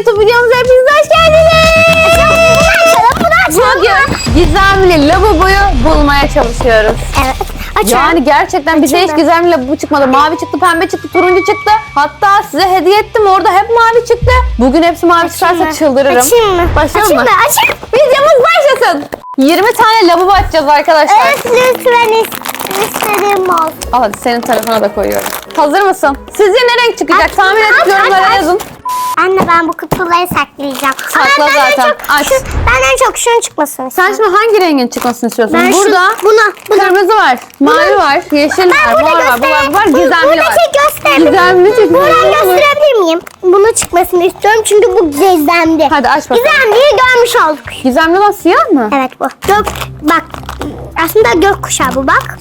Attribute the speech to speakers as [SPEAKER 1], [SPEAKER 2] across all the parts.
[SPEAKER 1] YouTube videomuza hepiniz hoş geldiniz. Bugün gizemli lavaboyu bulmaya çalışıyoruz.
[SPEAKER 2] Evet. Açalım.
[SPEAKER 1] Yani gerçekten bize hiç gizemli lavabo çıkmadı. Mavi çıktı, pembe çıktı, turuncu çıktı. Hatta size hediye ettim, orada hep mavi çıktı. Bugün hepsi mavi çıkarsa çıldırırım.
[SPEAKER 2] Açayım mı?
[SPEAKER 1] Başlayalım mı?
[SPEAKER 2] Açayım.
[SPEAKER 1] Videomuz başlasın. 20 tane lavabo açacağız arkadaşlar.
[SPEAKER 2] Evet lütfen istediğim olsun.
[SPEAKER 1] Al hadi senin tarafına da koyuyorum. Hazır mısın? Sizce ne renk çıkacak?
[SPEAKER 2] Aç,
[SPEAKER 1] Tahmin edip
[SPEAKER 2] aç,
[SPEAKER 1] yorumlara
[SPEAKER 2] aç.
[SPEAKER 1] yazın.
[SPEAKER 2] Anne ben bu kutuları saklayacağım.
[SPEAKER 1] Sakla
[SPEAKER 2] Ama ben
[SPEAKER 1] zaten.
[SPEAKER 2] En çok,
[SPEAKER 1] Aç.
[SPEAKER 2] ben en çok şunun çıkmasını
[SPEAKER 1] Sen
[SPEAKER 2] istiyorum.
[SPEAKER 1] şimdi hangi rengin çıkmasını istiyorsun?
[SPEAKER 2] Ben
[SPEAKER 1] Burada
[SPEAKER 2] buna.
[SPEAKER 1] kırmızı var, mavi var, yeşil var, mor var, bu var, gizemli var.
[SPEAKER 2] Buradaki gösterebilirim.
[SPEAKER 1] Gizemli çıksın.
[SPEAKER 2] Buradan
[SPEAKER 1] Olur.
[SPEAKER 2] gösterebilir miyim? Bunu çıkmasını istiyorum çünkü bu gizemli.
[SPEAKER 1] Hadi aç bakalım.
[SPEAKER 2] Gizemliyi görmüş olduk.
[SPEAKER 1] Gizemli olan siyah mı?
[SPEAKER 2] Evet bu. Bak. Aslında gökkuşağı bu bak.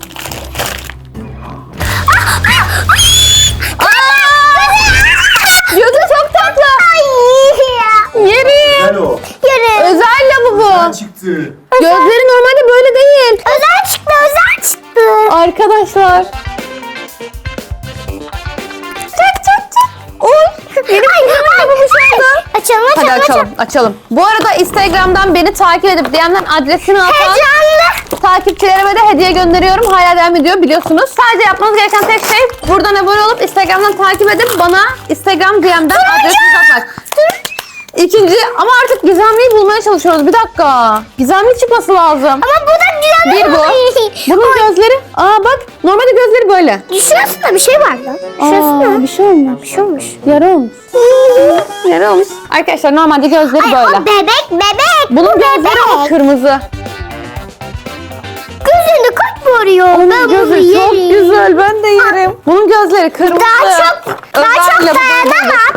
[SPEAKER 1] Gözü çok tatlı. Yerim.
[SPEAKER 3] Güzel o.
[SPEAKER 2] Yürü.
[SPEAKER 1] Özel lavabo.
[SPEAKER 3] Güzel çıktı.
[SPEAKER 1] Gözleri normalde böyle değil.
[SPEAKER 2] Özel çıktı.
[SPEAKER 1] Arkadaşlar. Çak. Oy. Benim lavabo şu anda.
[SPEAKER 2] Açalım.
[SPEAKER 1] Hadi açalım. Bu arada Instagram'dan beni takip edip DM'den adresini atan
[SPEAKER 2] Heyecanlı.
[SPEAKER 1] takipçilerime de hediye gönderiyorum. Hala devam ediyor biliyorsunuz. Sadece yapmanız gereken tek şey buradan abone olup Instagram'dan takip edip bana Instagram DM'den adresini atmak. İkinci ama artık gizemliyi bulmaya çalışıyoruz. Bir dakika. Gizemli çıkması lazım.
[SPEAKER 2] Ama bu da güzel.
[SPEAKER 1] Bir bu. Bunun gözleri. Aa bak normalde gözleri böyle.
[SPEAKER 2] Şurasında bir şey var lan. Şurasında.
[SPEAKER 1] Bir şey olmuş.
[SPEAKER 2] Bir şey olmuş.
[SPEAKER 1] Yara olmuş. Yara olmuş. Arkadaşlar normalde gözleri
[SPEAKER 2] Ay
[SPEAKER 1] böyle.
[SPEAKER 2] o bebek.
[SPEAKER 1] Bunun
[SPEAKER 2] Bu
[SPEAKER 1] gözleri ama kırmızı.
[SPEAKER 2] Gözünü kaç vuruyor. Ben bunu
[SPEAKER 1] Gözü çok
[SPEAKER 2] yerim.
[SPEAKER 1] güzel. Ben de yerim. Bunun gözleri kırmızı.
[SPEAKER 2] Daha çok
[SPEAKER 1] Özellikle bu
[SPEAKER 2] dayanamam.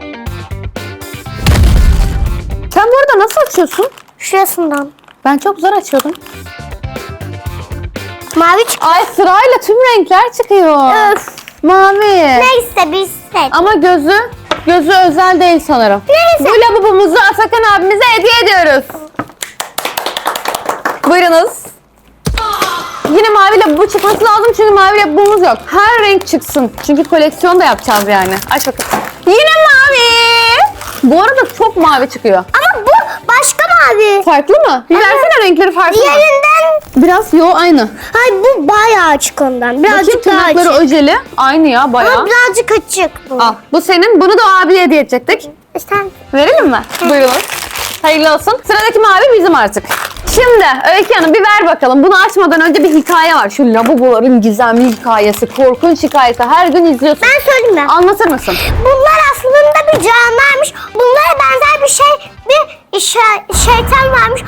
[SPEAKER 1] Sen bu arada nasıl açıyorsun?
[SPEAKER 2] Şurasından.
[SPEAKER 1] Ben çok zor açıyordum.
[SPEAKER 2] Mavi çıktı.
[SPEAKER 1] Ay sırayla tüm renkler çıkıyor.
[SPEAKER 2] Öf.
[SPEAKER 1] Mavi.
[SPEAKER 2] Neyse biz seç.
[SPEAKER 1] Ama gözü özel değil sanırım.
[SPEAKER 2] Neyse.
[SPEAKER 1] Bu lavabomuzu Atakan abimize hediye ediyoruz. Buyurunuz. Yine mavi lavabo çıkması lazım çünkü mavi lavabomuz yok. Her renk çıksın. Çünkü koleksiyon da yapacağız yani. Aç bakalım. Yine mavi. Bu arada çok mavi çıkıyor.
[SPEAKER 2] Ama bu başka mavi.
[SPEAKER 1] Farklı mı? Bir versene renkleri farklı mı?
[SPEAKER 2] Diğerinden.
[SPEAKER 1] Biraz aynı.
[SPEAKER 2] Ay bu bayağı açık ondan.
[SPEAKER 1] Bakayım
[SPEAKER 2] Birazcık daha
[SPEAKER 1] tırnakları
[SPEAKER 2] açık.
[SPEAKER 1] öceli. Aynı ya bayağı.
[SPEAKER 2] Ama birazcık açık bu.
[SPEAKER 1] Al. Bu senin. Bunu da abiye hediye edecektik.
[SPEAKER 2] Sen
[SPEAKER 1] Verelim mi? Buyurun. Hayırlı olsun. Sıradaki mavi bizim artık. Şimdi Öykü Hanım bir ver bakalım. Bunu açmadan önce bir hikaye var. Şu lavaboların gizemli hikayesi, korkunç hikayesi. Her gün izliyorsun.
[SPEAKER 2] ben söyleyeyim mi?
[SPEAKER 1] Anlatır mısın?
[SPEAKER 2] Bunlar aslında bir canlarmış. Bunlara benzer bir şey, bir şeytan varmış.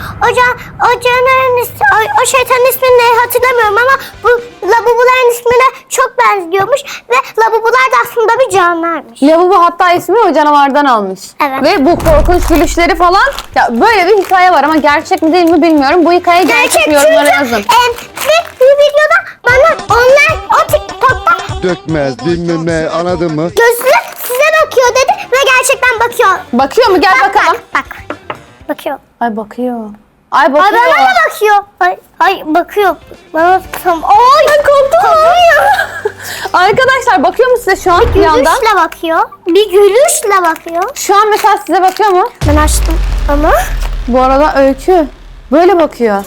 [SPEAKER 2] O şeytanın ismini de hatırlamıyorum ama bu lavaboların ismine çok benziyormuş ve lavabolar da aslında bir canlarmış.
[SPEAKER 1] Lavabo hatta ismi o canavardan almış.
[SPEAKER 2] Evet.
[SPEAKER 1] Ve bu korkunç gülüşleri falan. Ya böyle bir hikaye var ama gerçek mi değil mi bilmiyorum. Bu hikaye gerçek mi? Yorumlara yazın.
[SPEAKER 2] Bir videoda bana o TikTok'ta
[SPEAKER 3] Dökmez bilmem ne anladın mı?
[SPEAKER 2] gözü size bakıyor dedi ve gerçekten bakıyor.
[SPEAKER 1] Bakıyor mu? Gel bakalım.
[SPEAKER 2] Bak. Bakıyor.
[SPEAKER 1] Ay bakıyor. Ay
[SPEAKER 2] Ay
[SPEAKER 1] bakıyor.
[SPEAKER 2] bana da bakıyor. Ay bakıyor. Bana tam. Ay ben korktum.
[SPEAKER 1] Arkadaşlar bakıyor mu size şu an bir yandan?
[SPEAKER 2] Gülüşle bakıyor. Bir gülüşle bakıyor.
[SPEAKER 1] Şu an mesela size bakıyor mu?
[SPEAKER 2] Ben açtım ama.
[SPEAKER 1] Bu arada Öykü böyle bakıyor.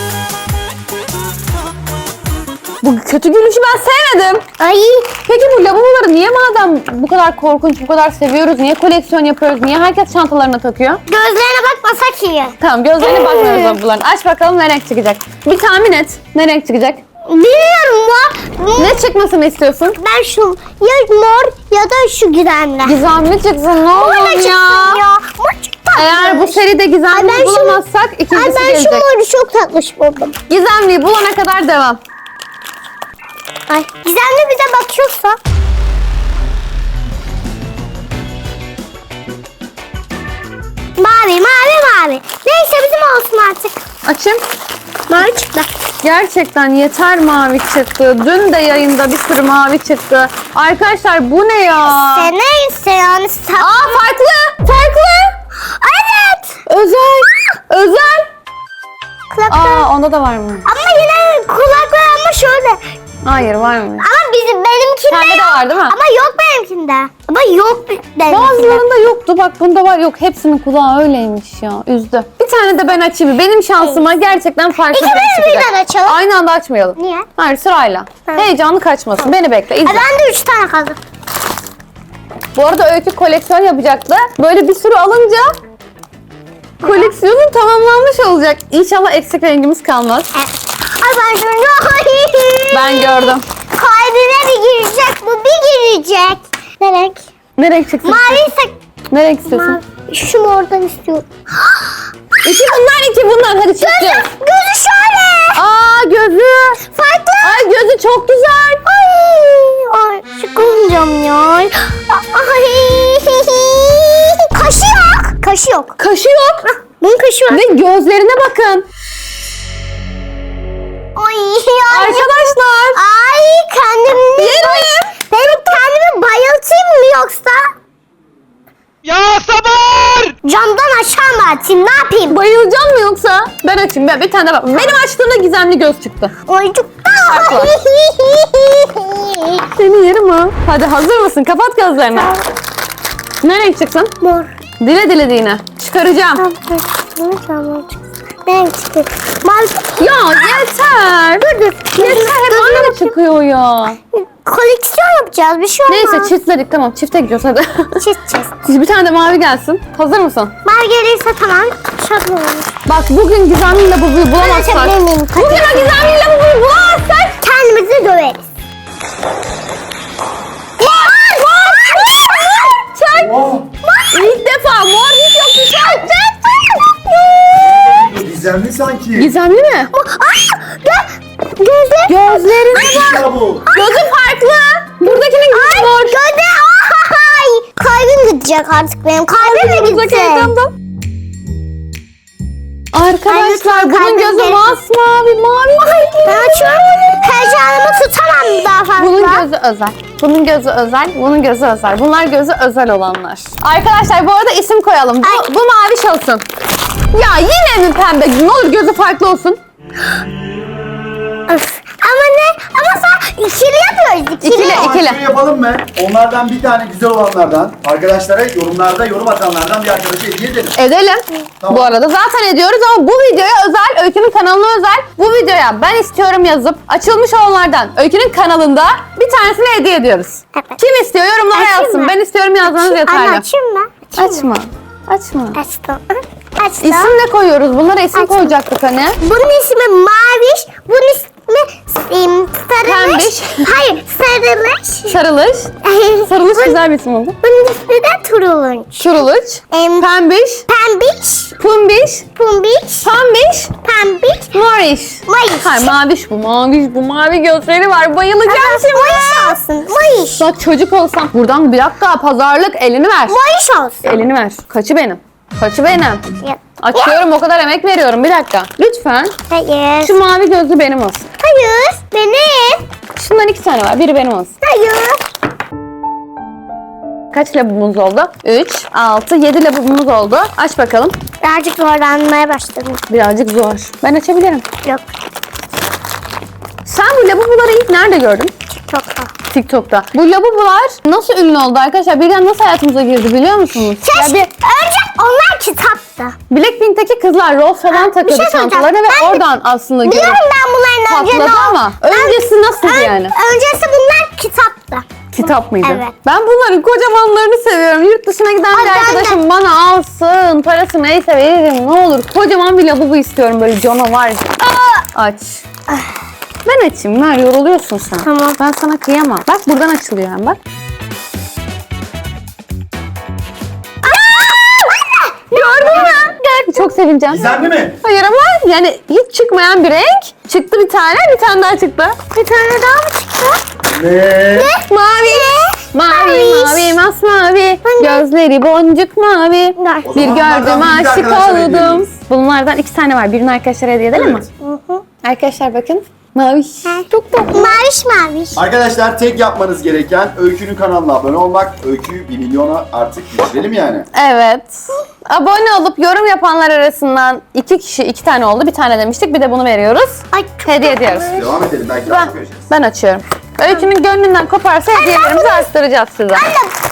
[SPEAKER 1] Bu kötü gülüşü ben sevmedim.
[SPEAKER 2] Ay.
[SPEAKER 1] Peki bu lavaboları niye madem bu kadar korkunç, bu kadar seviyoruz, niye koleksiyon yapıyoruz, niye herkes çantalarına takıyor?
[SPEAKER 2] Gözlerine bakmasak iyi.
[SPEAKER 1] Tamam gözlerine bakmıyoruz lavaboların. Aç bakalım ne renk çıkacak. Bir tahmin et ne renk çıkacak.
[SPEAKER 2] Bilmiyorum ya.
[SPEAKER 1] Ne çıkmasını istiyorsun?
[SPEAKER 2] Ben şu ya mor ya da şu gizemli.
[SPEAKER 1] Gizemli çıksın ne
[SPEAKER 2] Mor
[SPEAKER 1] olur
[SPEAKER 2] da çıksın ya. Mor çok tatlış.
[SPEAKER 1] Eğer bu seride
[SPEAKER 2] Ay,
[SPEAKER 1] gizemliyi
[SPEAKER 2] ben şu-
[SPEAKER 1] bulamazsak
[SPEAKER 2] Ay
[SPEAKER 1] ikincisi
[SPEAKER 2] ben şu
[SPEAKER 1] gelecek.
[SPEAKER 2] moru çok tatlış buldum.
[SPEAKER 1] Gizemliyi bulana kadar devam.
[SPEAKER 2] Ay gizemli bize bakıyorsa. Mavi. Neyse bizim olsun artık.
[SPEAKER 1] Açayım.
[SPEAKER 2] Mavi çıktı.
[SPEAKER 1] Gerçekten yeter mavi çıktı. Dün de yayında bir sürü mavi çıktı. Arkadaşlar bu ne ya?
[SPEAKER 2] Neyse yani.
[SPEAKER 1] Aa farklı.
[SPEAKER 2] Evet.
[SPEAKER 1] Özel.
[SPEAKER 2] Kulaklar.
[SPEAKER 1] Aa onda da var mı?
[SPEAKER 2] Ama yine kulaklar ama şöyle.
[SPEAKER 1] Hayır var mı?
[SPEAKER 2] Ama benimkinde
[SPEAKER 1] Sende de
[SPEAKER 2] yok.
[SPEAKER 1] var değil mi?
[SPEAKER 2] Ama yok benimkinde. içinde. Ama yok benimkinde.
[SPEAKER 1] Bazılarında yoktu. Bak bunda var. Yok hepsinin kulağı öyleymiş ya. Üzdü. Bir tane de ben açayım. Benim şansıma gerçekten farklı bir
[SPEAKER 2] İkimiz
[SPEAKER 1] şey çıkacak.
[SPEAKER 2] birden açalım.
[SPEAKER 1] Aynı anda açmayalım.
[SPEAKER 2] Niye?
[SPEAKER 1] Hayır sırayla.
[SPEAKER 2] Tamam.
[SPEAKER 1] Heyecanlı kaçmasın. Beni bekle. İzle.
[SPEAKER 2] Ben de 3 tane kaldı.
[SPEAKER 1] Bu arada Öykü koleksiyon yapacaktı. Böyle bir sürü alınca koleksiyonun tamamlanmış olacak. İnşallah eksik rengimiz kalmaz.
[SPEAKER 2] Evet. Ay ben şunu...
[SPEAKER 1] Ben gördüm.
[SPEAKER 2] Kalbime bir girecek, bu bir girecek. Ne renk?
[SPEAKER 1] Ne renk çıksın?
[SPEAKER 2] Mavi ise...
[SPEAKER 1] Ne renk istiyorsun?
[SPEAKER 2] Mavi. Şu mordan istiyorum.
[SPEAKER 1] İki bunlar. Hadi çıkacağız.
[SPEAKER 2] Gözü şöyle.
[SPEAKER 1] Aa gözü.
[SPEAKER 2] Farklı.
[SPEAKER 1] Ay gözü çok güzel.
[SPEAKER 2] Ay çıkamayacağım ya. Ay. Kaşı yok. Kaşı yok.
[SPEAKER 1] Kaşı yok.
[SPEAKER 2] Bunun kaşı var.
[SPEAKER 1] Ve gözlerine bakın.
[SPEAKER 2] Ay.
[SPEAKER 1] Arkadaşlar.
[SPEAKER 2] Ay kendimi...
[SPEAKER 1] Yerim.
[SPEAKER 2] Benim kendimi bayıltayım mı yoksa?
[SPEAKER 4] Ya sabır!
[SPEAKER 2] Camdan aşağı mı atayım? Ne yapayım?
[SPEAKER 1] Bayılacağım mı yoksa? Ben açayım. Ben bir tane bak. Benim açtığımda gizemli göz çıktı.
[SPEAKER 2] Ay çok...
[SPEAKER 1] Fark var. Seni yerim ha. Hadi hazır mısın? Kapat gözlerini. Ne renk çıksın?
[SPEAKER 2] Mor.
[SPEAKER 1] Dile dile yine. Çıkaracağım.
[SPEAKER 2] Ben çıktı. Mavi.
[SPEAKER 1] Ya yeter. Yeter. Hep aynı çıkıyor ya.
[SPEAKER 2] Koleksiyon yapacağız. Bir şey olmaz.
[SPEAKER 1] Neyse çiftledik tamam. Çifte gidiyoruz hadi.
[SPEAKER 2] Çizeceğiz.
[SPEAKER 1] Bir tane de mavi gelsin. Hazır mısın?
[SPEAKER 2] Mavi gelirse tamam. Şablon olur.
[SPEAKER 1] Bak bugün gizemli labubuyu bulamazsak.
[SPEAKER 2] açabilir miyim?
[SPEAKER 1] Bugün o gizemli labubuyu bulamazsak.
[SPEAKER 2] Kendimizi döveriz.
[SPEAKER 1] Çak. İlk defa mor hiç yoktu. Çak.
[SPEAKER 3] Gizemli sanki.
[SPEAKER 1] Gizemli mi?
[SPEAKER 2] Gözü.
[SPEAKER 1] Gözlerine bak.
[SPEAKER 3] Ya bu.
[SPEAKER 1] Gözü farklı. Buradakinin gözü mor.
[SPEAKER 2] Gözü. Ay. Kalbim gidecek artık benim. Kalbim mi
[SPEAKER 1] Buradaki
[SPEAKER 2] gidecek?
[SPEAKER 1] ekranda. Arkadaşlar
[SPEAKER 2] Ay,
[SPEAKER 1] bunun
[SPEAKER 2] kalbim
[SPEAKER 1] gözü
[SPEAKER 2] gelsin.
[SPEAKER 1] masmavi, mavi.
[SPEAKER 2] Ben açıyorum. Heyecanımı tutamam daha fazla.
[SPEAKER 1] Bunun gözü özel. Bunun gözü özel. Bunun gözü özel. Bunlar gözü özel olanlar. Arkadaşlar bu arada isim koyalım. Bu mavi olsun. Ya yine mi pembe? Ne olur gözü farklı olsun.
[SPEAKER 2] Öf. Ama ne? Ama sen ikili yapıyoruz. İkili.
[SPEAKER 1] İkili.
[SPEAKER 3] Şunu yapalım mı? Onlardan bir tane güzel olanlardan arkadaşlara yorumlarda yorum atanlardan bir arkadaşa hediye edelim.
[SPEAKER 1] Edelim.
[SPEAKER 3] Tamam.
[SPEAKER 1] Bu arada zaten ediyoruz ama bu videoya özel, Öykü'nün kanalına özel. Bu videoya ben istiyorum yazıp açılmış olanlardan Öykü'nün kanalında bir tanesini hediye ediyoruz.
[SPEAKER 2] Evet.
[SPEAKER 1] Kim istiyor yorumlara
[SPEAKER 2] Açayım
[SPEAKER 1] yazsın.
[SPEAKER 2] mı?
[SPEAKER 1] Ben istiyorum yazmanız yeterli.
[SPEAKER 2] Anne açayım mı?
[SPEAKER 1] Açma. Açma.
[SPEAKER 2] Açtım. Açtım.
[SPEAKER 1] İsim ne koyuyoruz? Bunlara isim
[SPEAKER 2] Açma.
[SPEAKER 1] koyacaktık hani.
[SPEAKER 2] Bunun ismi Maviş. Bunun ismi Sarılış.
[SPEAKER 1] Pembiş.
[SPEAKER 2] Hayır, Sarılış.
[SPEAKER 1] Sarılış. Sarılış güzel bir isim oldu.
[SPEAKER 2] Bunun ismi de Turulunç.
[SPEAKER 1] Çuruluç. Pembiş.
[SPEAKER 2] Pembiş.
[SPEAKER 1] Pumbiş.
[SPEAKER 2] Pumbiş.
[SPEAKER 1] Pambiş.
[SPEAKER 2] Pembiş.
[SPEAKER 1] Moriş.
[SPEAKER 2] Mayış.
[SPEAKER 1] Hayır maviş bu. Maviş bu. Mavi gözleri var. Bayılacağım şimdi.
[SPEAKER 2] Mayış olsun. Mayış.
[SPEAKER 1] Bak çocuk olsam. Buradan bir dakika pazarlık elini ver.
[SPEAKER 2] Mayış olsun.
[SPEAKER 1] Elini ver. Kaçı benim? Kaçı benim?
[SPEAKER 2] Ya.
[SPEAKER 1] Açıyorum o kadar emek veriyorum. Bir dakika. Lütfen.
[SPEAKER 2] Hayır.
[SPEAKER 1] Şu mavi gözlü benim olsun.
[SPEAKER 2] Hayır. Benim.
[SPEAKER 1] Şundan 2 tane var. Biri benim olsun.
[SPEAKER 2] Hayır.
[SPEAKER 1] Kaç labubumuz oldu? 3, 6, 7 labubumuz oldu. Aç bakalım.
[SPEAKER 2] Birazcık zorlanmaya başladım.
[SPEAKER 1] Birazcık zor. Ben açabilirim.
[SPEAKER 2] Yok.
[SPEAKER 1] Sen bu labubuları ilk nerede gördün?
[SPEAKER 2] TikTok'ta.
[SPEAKER 1] TikTok'ta. Bu labubular nasıl ünlü oldu arkadaşlar? Birden nasıl hayatımıza girdi biliyor musunuz? Ya
[SPEAKER 2] Keşke. Önce onlar kitaptı.
[SPEAKER 1] Blackpink'teki kızlar rol falan
[SPEAKER 2] bir
[SPEAKER 1] takıyordu
[SPEAKER 2] şey söyleyeceğim.
[SPEAKER 1] çantalarına ve
[SPEAKER 2] Ben de
[SPEAKER 1] oradan aslında görüp
[SPEAKER 2] Biliyorum ben bunların önce
[SPEAKER 1] patladı
[SPEAKER 2] ne oldu.
[SPEAKER 1] ama öncesi nasıl yani?
[SPEAKER 2] Öncesi bunlar kitaptı.
[SPEAKER 1] Kitap mıydı?
[SPEAKER 2] Evet.
[SPEAKER 1] Ben bunların kocamanlarını seviyorum. Yurt dışına giden
[SPEAKER 2] Ay,
[SPEAKER 1] bir
[SPEAKER 2] ben de.
[SPEAKER 1] arkadaşım bana alsın. Parası neyse veririm ne olur. Kocaman bir labubu istiyorum böyle canavar. Aç. Ben açayım. Ver yoruluyorsun sen.
[SPEAKER 2] Tamam.
[SPEAKER 1] Ben sana kıyamam. Bak buradan açılıyor hem bak. Gördün mü? Gördüm. Çok sevineceğim.
[SPEAKER 3] Gizemli mi?
[SPEAKER 1] Hayır ama yani hiç çıkmayan bir renk. Çıktı bir tane daha çıktı.
[SPEAKER 2] Bir tane daha mı çıktı?
[SPEAKER 3] Ne?
[SPEAKER 1] Mavi. Mavi, mavi, masmavi. Gözleri boncuk mavi.
[SPEAKER 3] O
[SPEAKER 1] Bir
[SPEAKER 3] zaman
[SPEAKER 1] gördüm
[SPEAKER 3] bunlardan bir
[SPEAKER 1] aşık
[SPEAKER 3] arkadaşlara hediye
[SPEAKER 1] oldum.
[SPEAKER 3] ederiz.
[SPEAKER 1] Bunlardan 2 tane var. Birini arkadaşlara hediye edelim mi?
[SPEAKER 3] Evet.
[SPEAKER 1] Arkadaşlar bakın. Mavi. Çok tatlı.
[SPEAKER 2] Maviş maviş.
[SPEAKER 3] Arkadaşlar tek yapmanız gereken Öykü'nün kanalına abone olmak. Öykü'yü 1 milyona artık geçirelim yani.
[SPEAKER 1] Evet. Abone olup yorum yapanlar arasından 2 kişi 2 tane oldu. Bir tane demiştik. Bir de bunu veriyoruz.
[SPEAKER 2] Ay çok
[SPEAKER 1] Hediye ediyoruz.
[SPEAKER 3] Devam edelim belki daha
[SPEAKER 1] Ben,
[SPEAKER 3] çok göreceğiz.
[SPEAKER 1] ben açıyorum. Öykünün gönlünden koparsa hediyelerimizi arttıracağız size.
[SPEAKER 2] Anne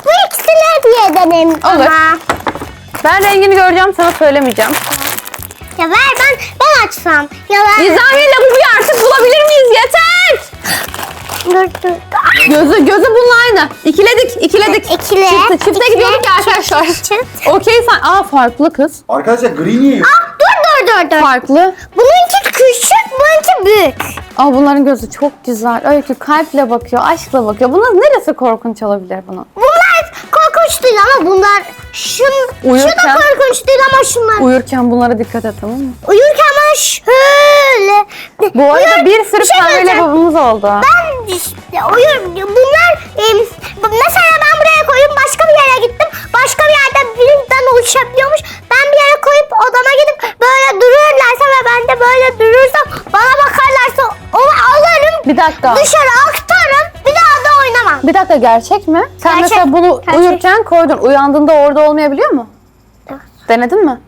[SPEAKER 2] ederim ama.
[SPEAKER 1] Ben rengini göreceğim, sana söylemeyeceğim.
[SPEAKER 2] Ya ver ben açsam. Ya ver.
[SPEAKER 1] Gizemli labubuyu artık bulabilir miyiz? Yeter!
[SPEAKER 2] Dur.
[SPEAKER 1] Gözü bununla aynı. İkiledik.
[SPEAKER 2] İkile.
[SPEAKER 1] Çifte gidiyorduk ya arkadaşlar. Okey sen. Aa farklı kız.
[SPEAKER 3] Arkadaşlar gri niye yok?
[SPEAKER 2] Dur.
[SPEAKER 1] Farklı.
[SPEAKER 2] Bununki küçük, bununki büyük.
[SPEAKER 1] Aa bunların gözü çok güzel. Öykü kalple bakıyor, aşkla bakıyor. Bunun neresi korkunç olabilir bunun?
[SPEAKER 2] Bunlar korkunç değil ama bunlar şu da
[SPEAKER 1] Uyurken-
[SPEAKER 2] korkunç değil ama şunlar.
[SPEAKER 1] Uyurken bunlara dikkat et, tamam mı?
[SPEAKER 2] Uyurken ben şöyle.
[SPEAKER 1] Bu arada bir sürü
[SPEAKER 2] şey
[SPEAKER 1] pembe
[SPEAKER 2] söyleyeceğim.
[SPEAKER 1] lavabomuz oldu.
[SPEAKER 2] Ben işte bunlar mesela ben buraya koyup başka bir yere gittim. Başka bir yerden birinden oluşabiliyormuş. Ben bir yere koyup odama gidip böyle dururlarsa ve ben de böyle durursam bana bakarlarsa onu alırım.
[SPEAKER 1] Bir dakika.
[SPEAKER 2] Dışarı aktarım. Bir daha da oynamam.
[SPEAKER 1] Bir dakika gerçek mi? Sen
[SPEAKER 2] Gerçek,
[SPEAKER 1] mesela bunu
[SPEAKER 2] gerçek.
[SPEAKER 1] uyurken koydun. Uyandığında orada olmayabiliyor mu?
[SPEAKER 2] Evet.
[SPEAKER 1] Denedin mi?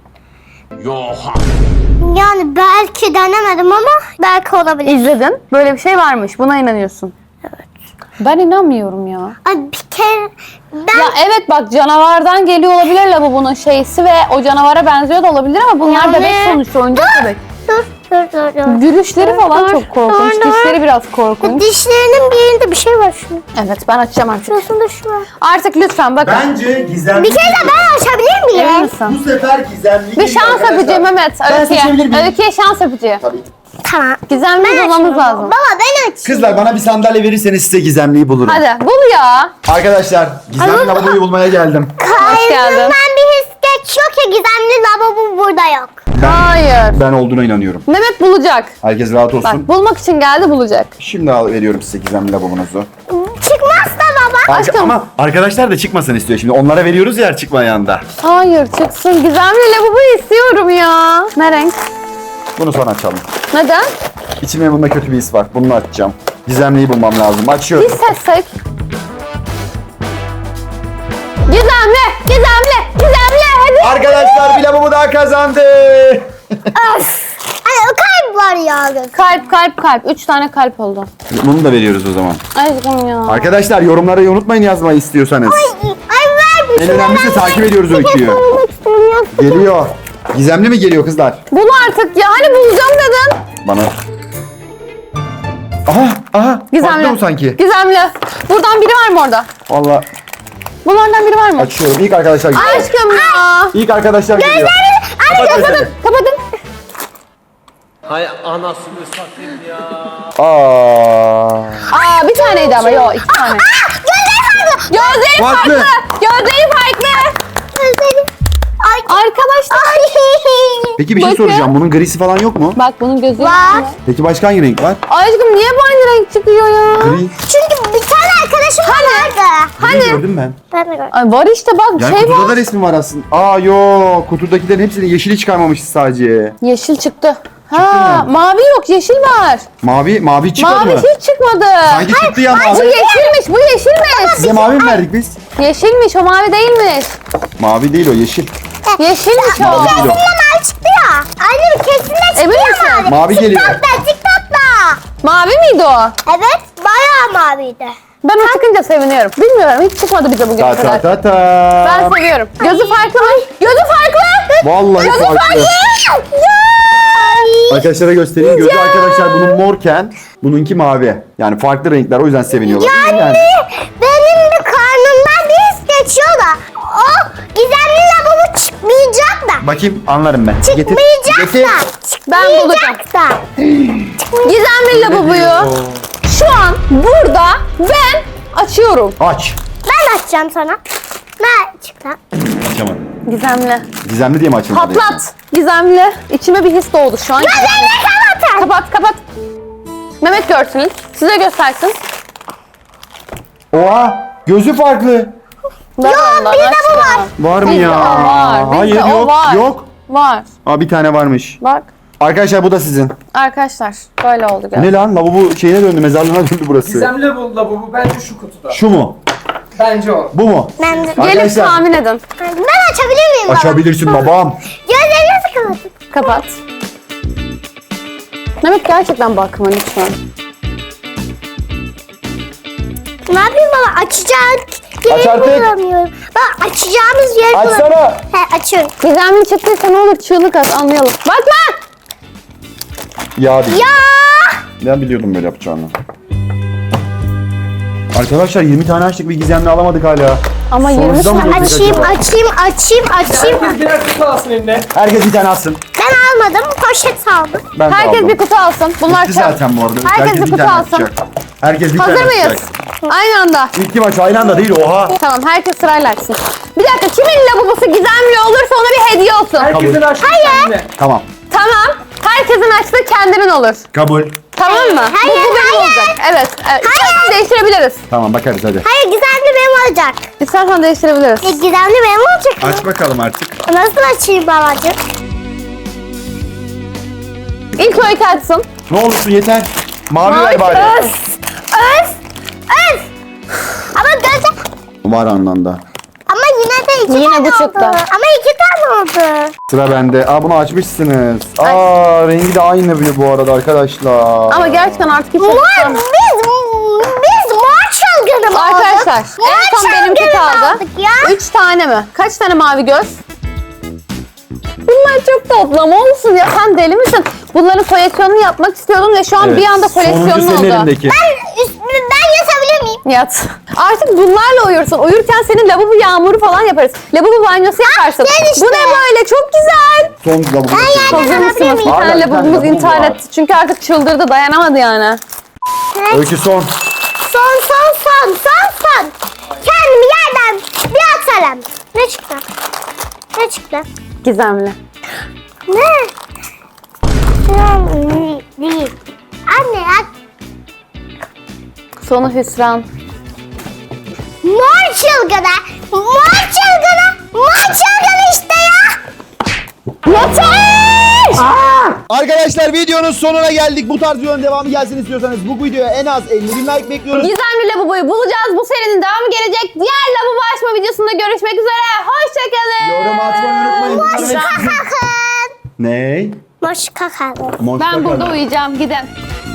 [SPEAKER 2] Yani belki denemedim ama belki olabilir.
[SPEAKER 1] İzledin. Böyle bir şey varmış. Buna inanıyorsun. Evet. Ben inanmıyorum ya.
[SPEAKER 2] Ay bir kere ben
[SPEAKER 1] Ya evet bak canavardan geliyor olabilir lavabonun şeysi ve o canavara benziyor da olabilir ama bunlar
[SPEAKER 2] Yani-
[SPEAKER 1] bebek sonuçta, oyuncak bebek.
[SPEAKER 2] dur.
[SPEAKER 1] Gülüşleri falan
[SPEAKER 2] Dur,
[SPEAKER 1] çok korkunç.
[SPEAKER 2] dur, dur.
[SPEAKER 1] Dişleri biraz korkunç.
[SPEAKER 2] Dişlerinin bir yerinde bir şey var şunun.
[SPEAKER 1] Evet ben açacağım artık.
[SPEAKER 2] Şurasında şu var.
[SPEAKER 1] Artık lütfen bakın.
[SPEAKER 3] Bence gizemli.
[SPEAKER 2] Bir kere de ben açabilir
[SPEAKER 1] Emin
[SPEAKER 2] miyim?
[SPEAKER 1] misin?
[SPEAKER 3] Bu sefer gizemli
[SPEAKER 1] Bir
[SPEAKER 3] geliyor
[SPEAKER 1] şans
[SPEAKER 3] arkadaşlar.
[SPEAKER 1] öpücüğü Mehmet.
[SPEAKER 3] Ben seçebilir
[SPEAKER 1] Öykü'ye.
[SPEAKER 3] miyim?
[SPEAKER 1] Öykü'ye şans öpücüğü.
[SPEAKER 3] Tabii.
[SPEAKER 2] Tamam.
[SPEAKER 1] Gizemli bulmamız
[SPEAKER 2] açıyorum.
[SPEAKER 1] lazım.
[SPEAKER 2] Baba ben açayım.
[SPEAKER 3] Kızlar bana bir sandalye verirseniz size gizemliyi bulurum.
[SPEAKER 1] Hadi bul ya.
[SPEAKER 3] Arkadaşlar gizemli lavaboyu bulmaya geldim.
[SPEAKER 1] Hoş geldin.
[SPEAKER 2] Kalbimden bir his geçiyor ki gizemli lavabo burada yok.
[SPEAKER 1] Hayır.
[SPEAKER 3] Ben olduğuna inanıyorum.
[SPEAKER 1] Mehmet bulacak.
[SPEAKER 3] Herkes rahat olsun.
[SPEAKER 1] Bak bulmak için geldi, bulacak.
[SPEAKER 3] Şimdi veriyorum size gizemli lavabonuzu.
[SPEAKER 2] Çıkmaz da baba.
[SPEAKER 1] Aşkım.
[SPEAKER 3] Ama arkadaşlar da çıkmasın istiyor şimdi. Onlara veriyoruz ya çıkmayan da.
[SPEAKER 1] Hayır çıksın. Gizemli lavaboyu istiyorum ya. Ne renk?
[SPEAKER 3] Bunu sonra açalım.
[SPEAKER 1] Neden?
[SPEAKER 3] İçimde bunda kötü bir his var. Bunu açacağım. Gizemliyi bulmam lazım.
[SPEAKER 1] Bir
[SPEAKER 3] Açıyorum.
[SPEAKER 1] seçsek. Gizemli. Hadi.
[SPEAKER 3] Arkadaşlar bir lavabo daha kazandı.
[SPEAKER 2] Ay kalp var ya.
[SPEAKER 1] Kalp. 3 tane kalp oldu.
[SPEAKER 3] Bunu da veriyoruz o zaman.
[SPEAKER 1] Aşkım ya.
[SPEAKER 3] Arkadaşlar yorumlara unutmayın yazmayı istiyorsanız.
[SPEAKER 2] Ay ver bir
[SPEAKER 3] En
[SPEAKER 2] şey.
[SPEAKER 3] önemlisi takip ediyoruz öyküyü.
[SPEAKER 2] Koymak istemiyorum.
[SPEAKER 3] Geliyor. Gizemli mi geliyor kızlar?
[SPEAKER 1] Bul artık ya. Hani bulacağım dedin.
[SPEAKER 3] Bana. Aha.
[SPEAKER 1] Gizemli.
[SPEAKER 3] Farklı bu sanki.
[SPEAKER 1] Gizemli. Buradan biri var mı orada?
[SPEAKER 3] Valla
[SPEAKER 1] Bunlardan biri var mı?
[SPEAKER 3] açıyorum. İlk arkadaşlar geliyor.
[SPEAKER 1] Aşkım ya.
[SPEAKER 3] İlk arkadaşlar geliyor. Kapat gözlerini.
[SPEAKER 1] Kapatın.
[SPEAKER 4] Hay anasını satayım ya.
[SPEAKER 1] Aa bir taneydi ama yok 2 tane. Gözleri
[SPEAKER 3] Farklı.
[SPEAKER 1] farklı. Gözleri farklı. Arkadaşlar.
[SPEAKER 3] Peki bir şey
[SPEAKER 1] Bakın.
[SPEAKER 3] soracağım. Bunun grisi falan yok mu?
[SPEAKER 1] Bak bunun gözü
[SPEAKER 2] Var.
[SPEAKER 3] Peki başka hangi renk var?
[SPEAKER 1] Aşkım niye bu aynı renk çıkıyor ya?
[SPEAKER 3] Gri.
[SPEAKER 2] Çünkü bir tane arkadaşım vardı.
[SPEAKER 3] Gri gördüm ben.
[SPEAKER 2] Ben de gördüm.
[SPEAKER 1] Ay var işte bak
[SPEAKER 3] Yani
[SPEAKER 1] şey
[SPEAKER 3] kutuda
[SPEAKER 1] var.
[SPEAKER 3] da resmi var aslında. Yok. Kutudakilerin hepsini yeşili çıkarmamışız sadece.
[SPEAKER 1] Yeşil çıktı. Ha
[SPEAKER 3] mı?
[SPEAKER 1] mavi yok, yeşil var.
[SPEAKER 3] Mavi çıkmadı
[SPEAKER 1] Mavi
[SPEAKER 3] mı?
[SPEAKER 1] hiç çıkmadı.
[SPEAKER 3] Sanki çıktı ya
[SPEAKER 1] Bu
[SPEAKER 3] mavi.
[SPEAKER 1] yeşilmiş, bu yeşilmiş.
[SPEAKER 3] Size mavi mi verdik biz?
[SPEAKER 1] Yeşilmiş, o mavi değilmiş.
[SPEAKER 3] Mavi değil o yeşil.
[SPEAKER 1] Yeşilmiş o.
[SPEAKER 3] Mavi değil o.
[SPEAKER 2] Mavi çıktı ya. Anne kesinlikle çıktı
[SPEAKER 1] Emin
[SPEAKER 2] ya
[SPEAKER 1] misin?
[SPEAKER 3] Mavi geliyor.
[SPEAKER 2] TikTok'ta.
[SPEAKER 1] Mavi miydi o?
[SPEAKER 2] Evet bayağı maviydi.
[SPEAKER 1] Ben o çıkınca seviniyorum. Bilmiyorum, hiç çıkmadı bize bugün
[SPEAKER 3] Ta
[SPEAKER 1] kadar.
[SPEAKER 3] ta ta ta.
[SPEAKER 1] Ben seviyorum. Gözü farklı mı? Gözü farklı.
[SPEAKER 3] Vallahi
[SPEAKER 1] Gözü
[SPEAKER 3] farklı.
[SPEAKER 1] farklı.
[SPEAKER 3] Arkadaşlara göstereyim. Gözü arkadaşlar bunun morken, bununki mavi. Yani farklı renkler o yüzden seviniyorlar. Yani.
[SPEAKER 2] Benim de karnımdan bir his geçiyor da o gizemli lavabo çıkmayacak da.
[SPEAKER 3] Bakayım anlarım ben.
[SPEAKER 2] Çıkmayacak
[SPEAKER 3] Getir.
[SPEAKER 2] da.
[SPEAKER 1] Ben bulacağım.
[SPEAKER 2] Çıkmayacak da.
[SPEAKER 1] Gizemli lavaboyu şu an burada ben açıyorum.
[SPEAKER 3] Aç.
[SPEAKER 2] Ben açacağım sana. Ben çıktı.
[SPEAKER 3] Açamadım.
[SPEAKER 1] Gizemli.
[SPEAKER 3] Gizemli diye mi açılmadı?
[SPEAKER 1] Patlat. Gizemli. İçime bir his doğdu şu an.
[SPEAKER 2] Gözlerini kapatın.
[SPEAKER 1] Kapat. Mehmet görsün. Size göstersin.
[SPEAKER 3] Oha! Gözü farklı.
[SPEAKER 1] Ben ondan
[SPEAKER 2] bizde bu
[SPEAKER 1] açtım.
[SPEAKER 2] var.
[SPEAKER 3] Var mı
[SPEAKER 1] Bizde
[SPEAKER 3] ya?
[SPEAKER 1] o var. Bizde
[SPEAKER 3] Hayır
[SPEAKER 1] o
[SPEAKER 3] yok.
[SPEAKER 1] var.
[SPEAKER 3] Yok.
[SPEAKER 1] Var.
[SPEAKER 3] Aa bir tane varmış.
[SPEAKER 1] Bak.
[SPEAKER 3] Arkadaşlar bu da sizin.
[SPEAKER 1] Arkadaşlar böyle oldu gel.
[SPEAKER 3] Ne lan? Lavabo şeyine döndü, mezarlığına döndü burası.
[SPEAKER 5] Gizemli lavabo bence şu kutuda.
[SPEAKER 3] Şu mu?
[SPEAKER 5] Bence o.
[SPEAKER 3] Bu mu?
[SPEAKER 2] Ben de.
[SPEAKER 1] Gelip
[SPEAKER 3] Arkadaşlar
[SPEAKER 1] tahmin edin.
[SPEAKER 2] Ben açabilir miyim baba?
[SPEAKER 3] açabilirsin babam.
[SPEAKER 2] Gözlerinizi kapatın.
[SPEAKER 1] Kapat. Mehmet gerçekten bakma lütfen.
[SPEAKER 2] Ne yapayım baba? Açacak.
[SPEAKER 3] Aç
[SPEAKER 2] Yeri
[SPEAKER 3] artık.
[SPEAKER 2] bulamıyorum. Bak açacağımız yeri bulamıyorum.
[SPEAKER 3] Açsana.
[SPEAKER 2] He açıyorum.
[SPEAKER 1] Gizemli çıktıysa ne olur çığlık at anlayalım. Bakma!
[SPEAKER 3] Ya değil.
[SPEAKER 2] Ya!
[SPEAKER 3] Ben biliyordum böyle yapacağını. Arkadaşlar 20 tane açtık bir gizemli alamadık hala.
[SPEAKER 1] Ama
[SPEAKER 3] Sonuncuda
[SPEAKER 1] 20
[SPEAKER 3] mı
[SPEAKER 1] tane.
[SPEAKER 3] döktük
[SPEAKER 2] Açayım,
[SPEAKER 3] acaba?
[SPEAKER 2] açayım.
[SPEAKER 5] Herkes birer kutu alsın eline.
[SPEAKER 3] Herkes bir tane alsın.
[SPEAKER 2] Ben almadım, poşet aldım.
[SPEAKER 3] Ben de
[SPEAKER 1] Herkes
[SPEAKER 3] aldım.
[SPEAKER 1] bir kutu alsın. Bunlar
[SPEAKER 3] Bitti
[SPEAKER 1] çok.
[SPEAKER 3] zaten bu arada.
[SPEAKER 1] Herkes bir
[SPEAKER 3] bir
[SPEAKER 1] kutu
[SPEAKER 3] tane
[SPEAKER 1] alsın.
[SPEAKER 3] açacak. Herkes bir
[SPEAKER 1] Hazır
[SPEAKER 3] tane
[SPEAKER 1] mıyız?
[SPEAKER 3] açacak.
[SPEAKER 1] Aynı anda.
[SPEAKER 3] İlk kim aç? Aynı anda değil oha.
[SPEAKER 1] Tamam herkes sırayla açsın. Bir dakika kimin lavabosu gizemli olursa ona bir hediye olsun.
[SPEAKER 5] Herkesin açtığı kendine.
[SPEAKER 3] Tamam.
[SPEAKER 1] Tamam. Herkesin açtığı kendinin olur.
[SPEAKER 3] Kabul.
[SPEAKER 1] Tamam mı?
[SPEAKER 2] Hayır,
[SPEAKER 1] Bu benim
[SPEAKER 2] hayır.
[SPEAKER 1] olacak. Evet. İstersen değiştirebiliriz.
[SPEAKER 3] Tamam bakarız hadi.
[SPEAKER 2] Hayır, gizemli benim olacak.
[SPEAKER 1] İstersen değiştirebiliriz.
[SPEAKER 2] Gizemli benim olacak mı?
[SPEAKER 3] Aç bakalım artık.
[SPEAKER 2] Nasıl açayım babacığım?
[SPEAKER 1] İlk Öykü açsın.
[SPEAKER 3] Ne olursun yeter. Mavi ver bari.
[SPEAKER 2] Öf! Öf! Ama gözüm...
[SPEAKER 3] Var anlamda.
[SPEAKER 2] Ama yine de iki
[SPEAKER 1] Yine
[SPEAKER 2] tane
[SPEAKER 1] bu çıktı.
[SPEAKER 2] oldu. Ama iki tane oldu.
[SPEAKER 3] Sıra bende. Aa bunu açmışsınız. Aa rengi de aynı bir bu arada arkadaşlar.
[SPEAKER 1] Ama gerçekten artık hiç
[SPEAKER 2] Mor,
[SPEAKER 1] açıklamam.
[SPEAKER 2] biz mor çılgını mı
[SPEAKER 1] Arkadaşlar
[SPEAKER 2] aldık?
[SPEAKER 1] en son benimki
[SPEAKER 2] çılgını mı
[SPEAKER 1] kaldı.
[SPEAKER 2] aldık ya?
[SPEAKER 1] 3 tane mi? Kaç tane mavi göz? Bunlar çok tatlı ama olsun ya sen deli misin? Bunların koleksiyonunu yapmak istiyordum ve şu an bir anda koleksiyonun
[SPEAKER 3] Sonuncu senin
[SPEAKER 1] oldu.
[SPEAKER 3] elindeki.
[SPEAKER 2] Ben yatabilir miyim?
[SPEAKER 1] Yat. Artık bunlarla uyursun. Uyurken senin lavabo yağmuru falan yaparız. Lavabo banyosu yaparsın.
[SPEAKER 2] gel işte.
[SPEAKER 1] Bu ne böyle? Çok güzel.
[SPEAKER 3] Son lavabo.
[SPEAKER 1] Hazır mısınız? Bir
[SPEAKER 3] Hala
[SPEAKER 1] tane
[SPEAKER 3] bir tane
[SPEAKER 1] lavabomuz
[SPEAKER 3] lavabo
[SPEAKER 1] intihar
[SPEAKER 3] var.
[SPEAKER 1] etti. Çünkü artık çıldırdı. Dayanamadı yani.
[SPEAKER 3] Öykü son.
[SPEAKER 2] Son. Kendimi yerden bir atarım. Ne çıktı? Ne çıktı?
[SPEAKER 1] Gizemli.
[SPEAKER 2] Ne? Değil. Anne ya.
[SPEAKER 1] Sonu hüsran.
[SPEAKER 2] Mor çılgını. Mor çılgını işte ya.
[SPEAKER 1] Yeter!
[SPEAKER 3] Arkadaşlar videonun sonuna geldik. Bu tarz videonun devamı gelsin istiyorsanız bu videoya en az 50 bin like bekliyoruz.
[SPEAKER 1] Gizemli lavaboyu bulacağız. Bu serinin devamı gelecek. Diğer lavabo açma videosunda görüşmek üzere. Hoşçakalın.
[SPEAKER 3] Yorum atmayı unutmayın.
[SPEAKER 2] Kakın.
[SPEAKER 3] Ne?
[SPEAKER 2] Boş kakın.
[SPEAKER 3] Monster
[SPEAKER 1] Ben burada
[SPEAKER 3] kadar.
[SPEAKER 1] uyuyacağım. Gidin.